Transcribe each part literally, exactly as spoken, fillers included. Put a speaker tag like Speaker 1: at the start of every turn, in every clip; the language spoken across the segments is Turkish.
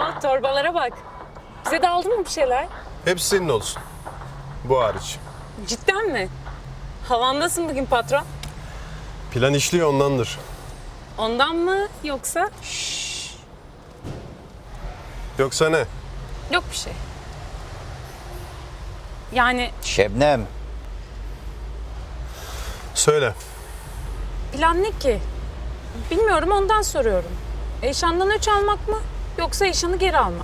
Speaker 1: Aa, torbalara bak. Bize de aldın mı bir şeyler?
Speaker 2: Hepsi senin olsun. Bu hariç.
Speaker 1: Cidden mi? Havandasın bugün patron.
Speaker 2: Plan işliyor ondandır.
Speaker 1: Ondan mı yoksa?
Speaker 2: Yoksa ne?
Speaker 1: Yok bir şey. Yani
Speaker 3: Şebnem,
Speaker 2: Söyle.
Speaker 1: plan ne ki? Bilmiyorum, ondan soruyorum. Eşandan öç almak mı yoksa eşanı geri almak?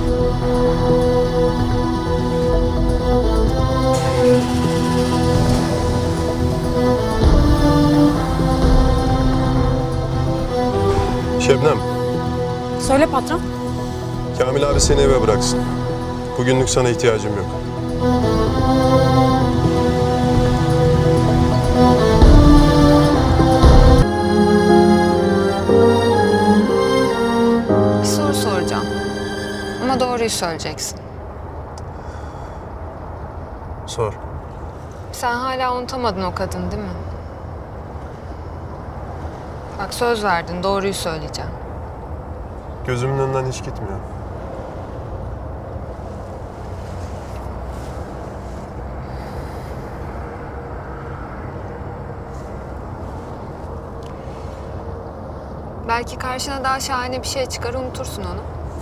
Speaker 2: Şebnem,
Speaker 1: Söyle patron.
Speaker 2: Kamil abi seni eve bıraksın. Bugünlük sana ihtiyacım yok.
Speaker 4: Bir soru soracağım. Ama doğruyu söyleyeceksin.
Speaker 2: Sor.
Speaker 4: Sen hala unutamadın o kadın değil mi? Bak söz verdin, doğruyu söyleyeceğim.
Speaker 2: Gözümün önünden hiç gitmiyor.
Speaker 4: Belki karşına daha şahane bir şey çıkar, unutursun onu.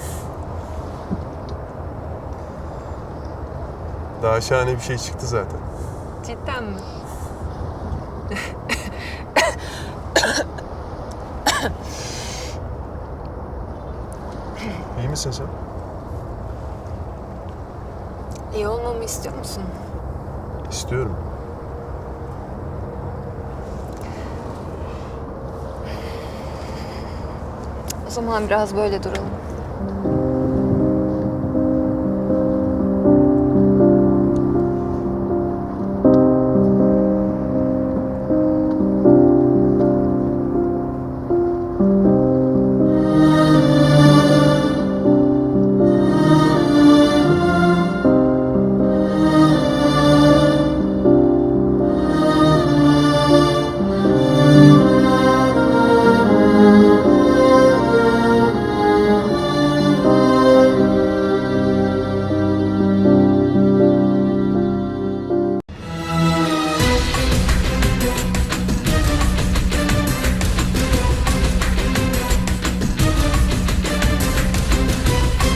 Speaker 2: Daha şahane bir şey çıktı zaten.
Speaker 4: Cidden mi?
Speaker 2: İyi misin sen?
Speaker 4: İyi olmamı istiyor musun?
Speaker 2: İstiyorum.
Speaker 4: O zaman biraz böyle duralım.